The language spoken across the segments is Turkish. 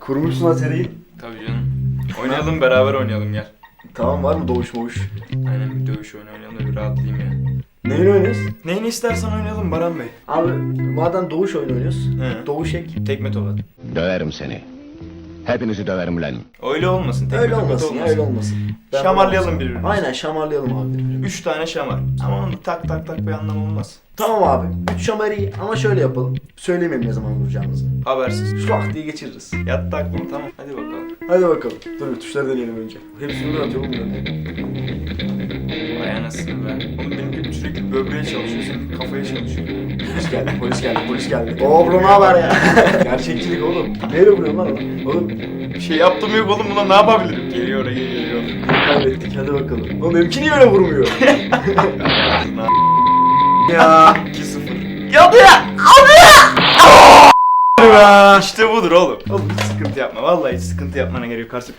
Kurmuşsun ha seriyi. Tabii canım. Oynayalım, beraber oynayalım gel. Tamam, var mı doğuş moğuş? Aynen, bir dövüş oyunu oynayalım da bir rahatlayayım ya. Neyin oynuyoruz? Neyini istersen oynayalım Baran Bey. Abi madem doğuş oyunu oynuyoruz. He. Doğuş ek. Tekme tokat. Döverim seni. Hepinizi döverim lan. Öyle olmasın. Tekme Öyle tokat olmasın ya, öyle olmasın. Şamarlayalım birbirimizi. Aynen, şamarlayalım abi birbirimizi. 3 tane şamar. Ama onun tak tak tak bir anlamı olmaz. Tamam abi. 3 şamar iyi ama şöyle yapalım. Söylemeyelim ne zaman vuracağımızı. Habersiz. Şlak diye geçiririz. Yattı aklım, tamam. Hadi bakalım. Hadi bakalım. Dur bir tuşları deneyelim önce. Hepsini ben atıyorum bunu. Vay anasını be. Oğlum benimki sürekli böbreğe çalışıyor, senin kafaya çalışıyor. Polis geldi, polis geldi, polis geldi. Oo bro, ne haber ya? Gerçekçilik oğlum. Neyle vuruyorsun lan ona? Oğlum Bir şey yaptım yok oğlum, buna ne yapabilirim? Geliyor oraya, geliyor. kaybettik, hadi bakalım. Oğlum benimki niye öyle vurmuyor? Ya 2-0. Yandı ya! İşte budur oğlum. Oğlum hiç sıkıntı yapma. Vallahi hiç sıkıntı yapmana gerek yok karşı.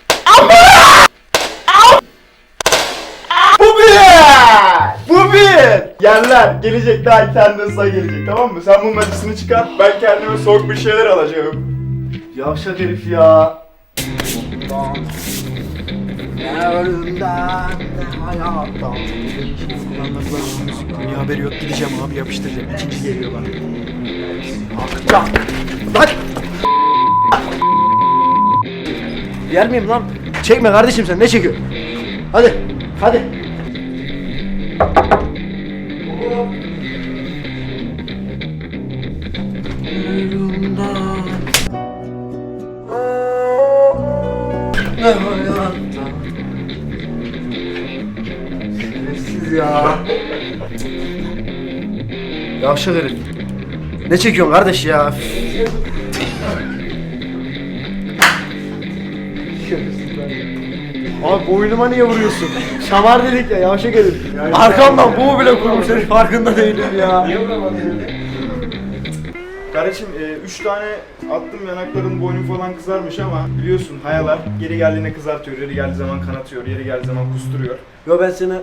Bu bir! Bu bir! Yerler gelecek, daha iki tane ıslak gelecek, tamam mı? Sen bunun acısını çıkar. Ben kendime soğuk bir şeyler alacağım. Yavşak herif ya. Ne ölümden ne hayattan. Bir haberi yok, gideceğim abi, yapıştıracağım. İkinci geliyor bana. Akacak. Lan! Yer miyim lan? Çekme kardeşim, sen ne çekiyorsun? Hadi, hadi. Ne hayattan. Şerefsiz ya. Yavşak herif. Ne çekiyorsun kardeş ya? Abi boynuma niye vuruyorsun? Şamar dedik ya, yavşak herif. Arkamdan bu bile kurmuş herif, farkında değilim ya. Niye vuramadın? Kardeşim 3 tane attım, yanakların boynun falan kızarmış ama biliyorsun hayalar yeri geldiğinde kızartıyor, yeri geldiği zaman kanatıyor, yeri geldiği zaman kusturuyor. Yo ben sana...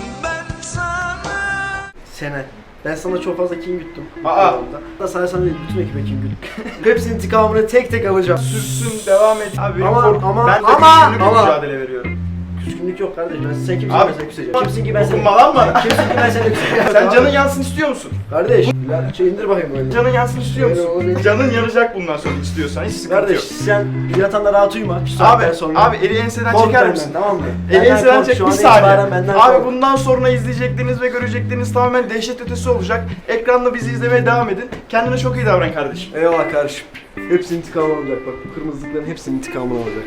Ben sana çok fazla kin güttüm. Aa! Da sana değil, bütün ekibe kin güttüm. Hepsinin intikamını tek tek alacağım. Sürsün, devam et. Abi benim Ama- ama- ben de ama- küçüklük ama- mücadele veriyorum. Küskünlük yok kardeş, sen kimsin Abi- ben sana küseceğim. Kimsin ki ben seni... Dokunma lan bana. Kimsin ki ben seni küseceğim. Sen canın yansın istiyor musun? Kardeş, indir bakayım böyle. Canın yansın istiyor Öyle musun? olur. Canın yanacak bundan sonra istiyorsan, hiç sıkıntı Kardeş yok. sen yatağında rahat uyuma. Şu saatten Abi, sonra. abi eli enseden Kork çeker benden, misin? tamam mı? Eli Benden enseden kork, çek, şu bir an saniye. itibaren benden Abi kork. bundan sonra izleyecekleriniz ve görecekleriniz tamamen dehşet ötesi olacak. Ekranda bizi izlemeye devam edin. Kendine çok iyi davran kardeşim. Eyvallah kardeşim. Hepsinin intikamı olacak bak, bu kırmızılıkların hepsinin intikamı olacak.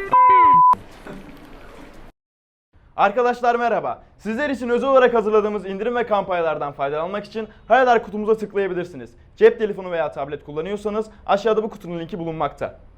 Arkadaşlar merhaba. Sizler için özel olarak hazırladığımız indirim ve kampanyalardan faydalanmak için Hayalar kutumuza tıklayabilirsiniz. Cep telefonu veya tablet kullanıyorsanız aşağıda bu kutunun linki bulunmakta.